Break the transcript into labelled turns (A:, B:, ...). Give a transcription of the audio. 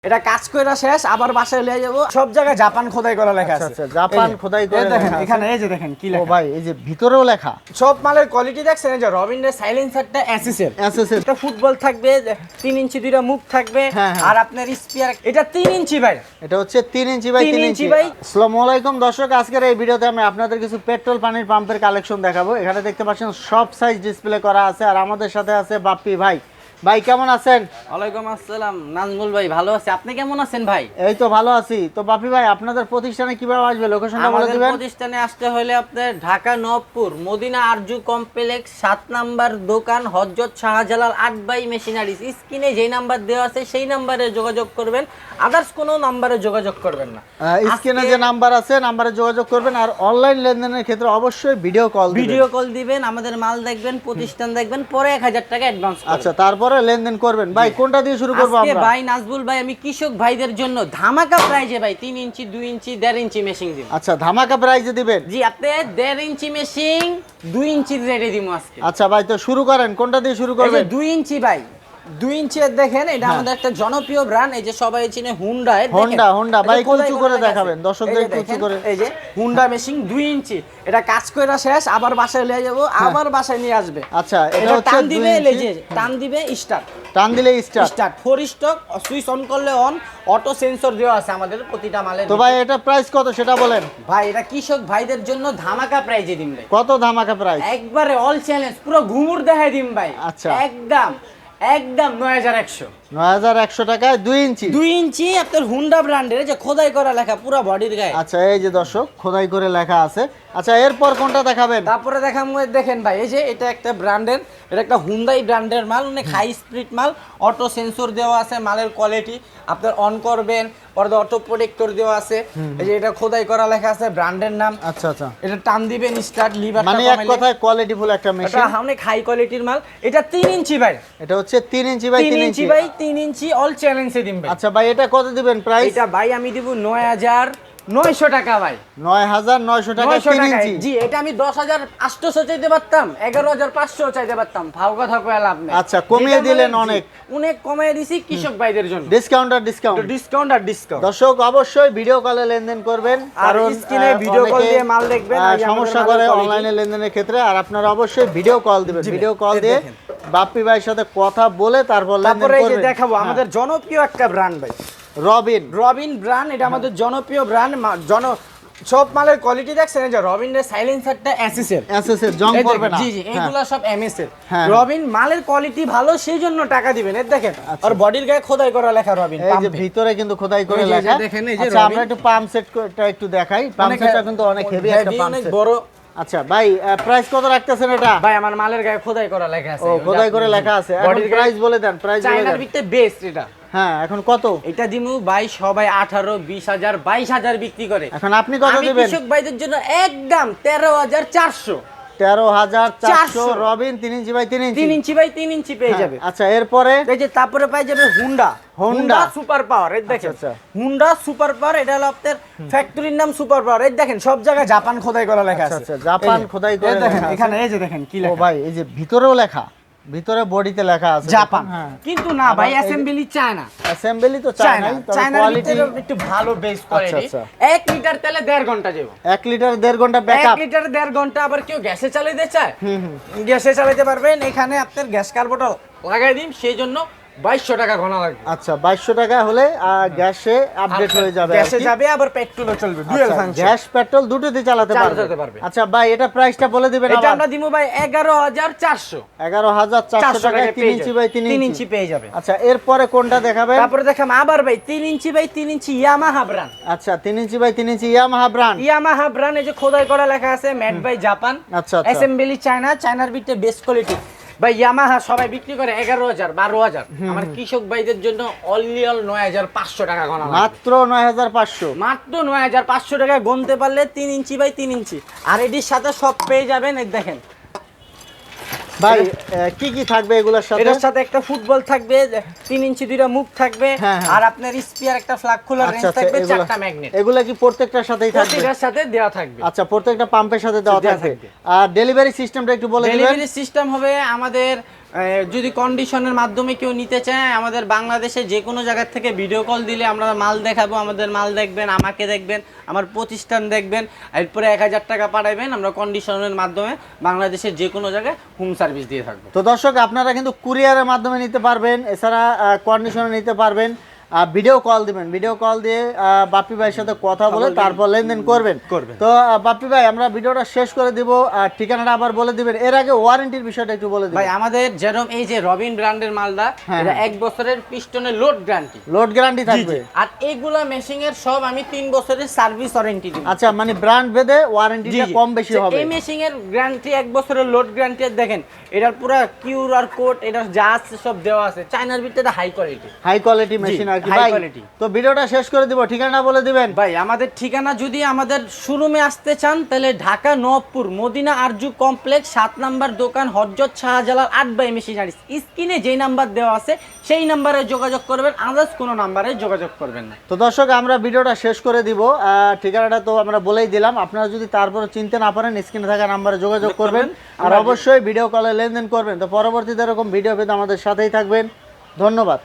A: এটা কাজ কইরা শেষ আবার বাসায় লিয়ে যাব সব জায়গায় জাপান খোদাই করা লেখা আছে।
B: আচ্ছা জাপান খোদাই করে
A: দেখেন এখানে এই যে দেখেন কি লেখা।
B: ও ভাই এই যে ভিতরেও লেখা।
A: সব মালের কোয়ালিটি দেখছেন এই যে রবিনের সাইলেন্সারটা এসএসএর এটা ফুটবল থাকবে 3 ইঞ্চি দুইটা মুখ থাকবে আর আপনার স্পিয়ার এটা 3 ইঞ্চি ভাই।
B: এটা হচ্ছে 3 ইঞ্চি বাই 3 ইঞ্চি ভাই। আসসালামু আলাইকুম দর্শক, আজকের এই ভিডিওতে আমি আপনাদের কিছু পেট্রোল পানির পাম্পের কালেকশন দেখাবো। এখানে দেখতে পাচ্ছেন সব সাইজ ডিসপ্লে করা আছে আর আমাদের সাথে আছে বাপ্পি ভাই। ভাই কেমন আছেন?
C: ওয়ালাইকুম আসসালাম নাজমুল ভাই, ভালো আছি। আপনি কেমন আছেন ভাই?
B: এই তো ভালো আছি। তো বাপ্পি ভাই আপনাদের প্রতিষ্ঠানে কিভাবে আসবে, লোকেশনটা বলে দিবেন।
C: আমাদের প্রতিষ্ঠানে আসতে হলে আপনার ঢাকা নবপুর মদিনা আরজু কমপ্লেক্স 7 নাম্বার দোকান হযরত শাহজালাল 8 বাই মেশিনারিজ। স্ক্রিনে যেই নাম্বার দেওয়া আছে সেই নম্বরে যোগাযোগ করবেন, আদার্স কোনো নম্বরে যোগাযোগ করবেন না।
B: স্ক্রিনে যে নাম্বার আছে নম্বরে যোগাযোগ করবেন। আর অনলাইন লেনদেনের ক্ষেত্রে অবশ্যই ভিডিও কল
C: দিবেন, আমাদের মাল দেখবেন, প্রতিষ্ঠান দেখবেন, পরে 1000 টাকা অ্যাডভান্স করবেন।
B: আচ্ছা তারপরে লেনদেন করবেন। ভাই কোনটা দিয়ে শুরু করব আমরা?
C: ভাই নাজবুল ভাই আমি কৃষক ভাইদের জন্য ধামাকা প্রাইজে ভাই 3 ইঞ্চি 2 ইঞ্চি 1.5 ইঞ্চি মেশিন দিব।
B: আচ্ছা ধামাকা প্রাইজে দিবেন?
C: জি, আপনি 1.5 ইঞ্চি মেশিন 2 ইঞ্চি রেটে দিব আজকে।
B: আচ্ছা ভাই তো শুরু করেন, কোনটা দিয়ে শুরু করবেন?
C: 2 ইঞ্চি ভাই
A: 2 ইঞ্চি এর দেখেন এটা আমাদের একটা জনপ্রিয় ব্র্যান্ড, এই যে সবাই চিনে হুন্ডা।
B: হোন্ডা ভাই কুচু করে দেখাবেন দর্শকদের, কুচু করে।
A: এই যে হুন্ডা মেশিন 2 ইঞ্চি এটা কাজ কইরা শেষ আবার বাসায় লিয়ে যাব আবার বাসায় নিয়ে আসবে।
B: আচ্ছা এটা হচ্ছে
A: টান দিবে, এই যে টান দিবে স্টার্ট,
B: টান দিলে
A: স্টার্ট 4 স্টক, সুইচ অন করলে অন, অটো সেন্সর দেওয়া আছে আমাদের প্রতিটা মালের।
B: তো ভাই এটা প্রাইস কত সেটা বলেন।
A: ভাই এটা কৃষক ভাইদের জন্য ধামাকা প্রাইজে দিম ভাই।
B: কত ধামাকা প্রাইস?
A: একবারে অল চ্যালেঞ্জ পুরো ঘুমুর দেখাই দিম ভাই।
B: আচ্ছা
A: একদম 9100
B: 9100 টাকায় 2 ইঞ্চি।
A: 2 ইঞ্চি আপনার হুন্ডা ব্র্যান্ডের, যে খোদাই করা লেখা পুরো বডির গায়ে।
B: আচ্ছা এই যে দর্শক খোদাই করে লেখা আছে। আচ্ছা এরপর কোনটা দেখাবেন?
A: তারপরে দেখাবো, দেখেন ভাই এই যে এটা একটা ব্র্যান্ডের, এটা একটা হুন্ডাই ব্র্যান্ডের মাল, অনেক হাই স্পিড মাল, অটো সেন্সর দেওয়া আছে, মালের কোয়ালিটি আপনার অন করবেন, পরে অটো প্রোটেক্টর দেওয়া আছে। এই যে এটা খোদাই করা লেখা আছে, ব্র্যান্ডের নাম।
B: আচ্ছা আচ্ছা
A: এটা টান দিবেন স্টার্ট, লিভারটা
B: মানে এক কথায় কোয়ালিটিফুল একটা মেশিন।
A: এটা অনেক হাই কোয়ালিটির মাল। এটা 3 ইঞ্চি ভাই।
B: এটা হচ্ছে 3 ইঞ্চি বাই 3 ইঞ্চি
A: ভাই 3 ইঞ্চি অল চ্যালেঞ্জে দিন ভাই।
B: আচ্ছা ভাই এটা কত দিবেন প্রাইস?
A: এটা ভাই আমি দিব 9900 টাকা ভাই।
B: 9900 টাকা 3 ইঞ্চি।
A: জি এটা আমি 10800 চাইতে পারতাম, 11500 চাইতে পারতাম, ভাও কথা কইলা লাভ নাই।
B: আচ্ছা কমিয়ে দিলেন,
A: অনেক কমিয়ে দিছি কৃষক ভাইদের জন্য।
B: ডিসকাউন্ট। দর্শক অবশ্যই ভিডিও কলে লেনদেন করবেন,
A: কারণ স্ক্রিনে ভিডিও কল দিয়ে মাল দেখবেন,
B: সমস্যা করে অনলাইনে লেনদেনের ক্ষেত্রে। আর আপনারা অবশ্যই ভিডিও কল দিবেন, ভিডিও কল দিয়ে বাপ্পি ভাইয়ের সাথে কথা বলে তারপর লেনদেন করবেন।
A: তারপরে এই যে দেখাবো আমাদের জনপ্রিয় একটা ব্র্যান্ড ভাই, রবিন ব্র্যান্ড। এটা আমাদের জনপ্রিয় ব্র্যান্ড। সব মালের কোয়ালিটি দেখছেন এই যে রবিনের সাইলেন্সারটা এসএসএর
B: জং করবে না।
A: জি এগুলা সব এমএস এর। রবিন মালের কোয়ালিটি ভালো, সেই জন্য টাকা দিবেন। এই দেখেন আর বডির গায়ে খোদাই করা লেখা রবিন।
B: এই যে ভিতরে কিন্তু খোদাই করে লেখা। আচ্ছা আমরা একটু পাম্প সেটটা একটু দেখাই। পাম্প সেটটা কিন্তু অনেক হেভি একটা পাম্প সেট, অনেক বড়। আচ্ছা ভাই প্রাইস কত রাখতেছেন এটা?
A: ভাই আমার মালের গায়ে খোদাই করা লেখা আছে।
B: ও খোদাই করে লেখা আছে। বডির প্রাইস বলে দেন, প্রাইস বলে দেন।
A: চায়নার ভিতরে বেস্ট এটা।
B: হ্যাঁ এখন কত?
A: এটা দিমু ভাই সবাই 18 20000 22000 বিক্রি করে।
B: এখন আপনি কত দিবেন?
A: আমি কৃষক ভাইদের জন্য একদম 13400।
B: 13400 Robin 3 inch by 3 inch.
A: 3 inch by 3 inch পেয়ে যাবে।
B: আচ্ছা এরপরে
A: এই যে তারপরে পাই যাবে হুন্ডা সুপার পাওয়ার। এই দেখেন হুন্ডা সুপার পাওয়ার, এটা হলো আপনার ফ্যাক্টরির নাম সুপার পাওয়ার। এই দেখেন সব জায়গায় জাপান খোদাই করা লেখা আছে।
B: আচ্ছা জাপান খোদাই করে
A: দেখেন এখানে এই যে দেখেন কি লেখা।
B: ও ভাই এই যে ভিতরেও লেখা, ভিতরে বডিতে লেখা আছে
A: জাপান, কিন্তু না ভাই অ্যাসেম্বলি চায়না।
B: অ্যাসেম্বলি তো চায়না, তবে কোয়ালিটি
A: একটু ভালো বেস কোয়ালিটি। 1 লিটার তেলে 1.5 ঘন্টা যাবে।
B: 1 লিটার 1.5 ঘন্টা ব্যাকআপ।
A: 1 লিটার 1.5 ঘন্টা। আবার কেউ গ্যাসে চালাতে চায়, গ্যাসে চালাতে পারবেন। এখানে আপনার গ্যাস কার্বোরেটর লাগাই দিন, সেই জন্য 2200 টাকা ঘনা লাগবে।
B: আচ্ছা 2200 টাকা হলে গ্যাসে আপডেট হয়ে যাবে,
A: গ্যাসে যাবে আবার পেট্রোলও চলবে, ডুয়াল ফাংশন।
B: গ্যাস পেট্রোল দুটোতে চালাতে পারবে। আচ্ছা ভাই এটা প্রাইসটা বলে দিবেন।
A: এটা আমরা দিমু ভাই 11400।
B: 11400 টাকা 3 ইঞ্চি বাই 3
A: ইঞ্চি পেয়ে যাবে।
B: আচ্ছা এরপরে কোনটা দেখাবেন?
A: তারপরে দেখাম আবার ভাই 3 inch by 3 inch Yamaha brand.
B: আচ্ছা 3 inch by 3 inch Yamaha brand.
A: এই যে খোদাই করা লেখা আছে মেড বাই জাপান,
B: আচ্ছা
A: অ্যাসেম্বলি চায়না। চায়নার ভিতরে বেস্ট কোয়ালিটি ভাই। ইয়ামাহা সবাই বিক্রি করে 11000 12000। আমার কৃষক ভাইদের জন্য অনলি 9500 টাকা গণা লাগবে।
B: মাত্র 9500।
A: মাত্র 9500 টাকা গুনতে পারলে 3 ইঞ্চি বাই 3 ইঞ্চি। আর এটির সাথে সব পেয়ে যাবেন। এই দেখেন
B: ভাই কি কি থাকবে এগুলোর সাথে?
A: এটার সাথে একটা ফুটবল থাকবে, 3 ইঞ্চি দুইটা মুখ থাকবে, আর আপনার স্পিয়ার একটা ফ্ল্যাগ খোলার রেঞ্জ থাকবে, 4টা ম্যাগনেট।
B: এগুলা কি প্রত্যেকটার সাথেই থাকবে?
A: প্রত্যেকটার সাথে দেওয়া থাকবে।
B: আচ্ছা প্রত্যেকটা পাম্পের সাথে দেওয়া থাকবে। আর ডেলিভারি সিস্টেমটা একটু বলে দিবেন।
A: ডেলিভারি সিস্টেম হবে আমাদের
C: যদি কন্ডিশনের মাধ্যমে কেউ নিতে চায়, আমাদের বাংলাদেশে যে কোনো জায়গা থেকে ভিডিও কল দিলে আমরা মাল দেখাবো, আমাদের মাল দেখবেন, আমাকে দেখবেন, আমার প্রতিষ্ঠান দেখবেন, এরপরে 1000 টাকা পাঠাবেন, আমরা কন্ডিশনের মাধ্যমে বাংলাদেশের যে কোনো জায়গায় হোম সার্ভিস দিয়ে থাকবো।
B: তো দর্শক আপনারা কিন্তু কুরিয়ারের মাধ্যমে নিতে পারবেন, এছাড়া কন্ডিশনে নিতে পারবেন, ভিডিও কল দিবেন, ভিডিও কল দিয়ে বাপ্পি ভাইয়ের সাথে কথা বলে তারপর লেনদেন করবেন। তো বাপ্পি ভাই আমরা ভিডিওটা শেষ করে দিব, ঠিকানাটা আবার বলে দিবেন। এর আগে ওয়ারেন্টির বিষয়টা একটু বলে দিবেন।
C: ভাই আমাদের যেরকম এই যে রবিন ব্র্যান্ডের মালটা, এটা 1 বছরের পিস্টনের লোড গ্যারান্টি,
B: লোড গ্যারান্টি থাকবে।
C: আর এগুলা মেশিং এর সব আমি 3 বছরের সার্ভিস ওয়ারেন্টি দিব।
B: আচ্ছা, মানে ব্র্যান্ড ভেদে ওয়ারেন্টিটা কম বেশি হবে।
C: এই মেশিং এর গ্যারান্টি 1 বছরের লোড গ্যারান্টি, দেখেন এটার পুরো কিউআর কোড, এটা যা আছে সব দেওয়া আছে। চায়নার ভিতরে high quality,
B: high quality machine আর কি ভাই। তো ভিডিওটা শেষ করে দিব, ঠিকানা বলে দিবেন।
C: ভাই আমাদের ঠিকানা, যদি আমাদের শোরুমে আসতে চান তাহলে ঢাকা নবপুর মদিনা আরজু কমপ্লেক্স 7 নাম্বার দোকান, হযরত শাহজালাল 8 বাই মেশিনারিজ। স্ক্রিনে যেই নাম্বার দেওয়া আছে সেই নাম্বারে যোগাযোগ করবেন, আদার্স কোনো নাম্বারে যোগাযোগ করবেন না।
B: তো দর্শক আমরা ভিডিওটা শেষ করে দিব, ঠিকানাটা তো আমরা বলেই দিলাম। আপনারা যদি তারপরে চিনতে না পারেন স্ক্রিনে থাকা নাম্বারে যোগাযোগ করবেন, আর অবশ্যই ভিডিও কলে লেনদেন করবেন। তো পরবর্তীতে এরকম ভিডিও পেতে আমাদের সাথেই থাকবেন। ধন্যবাদ।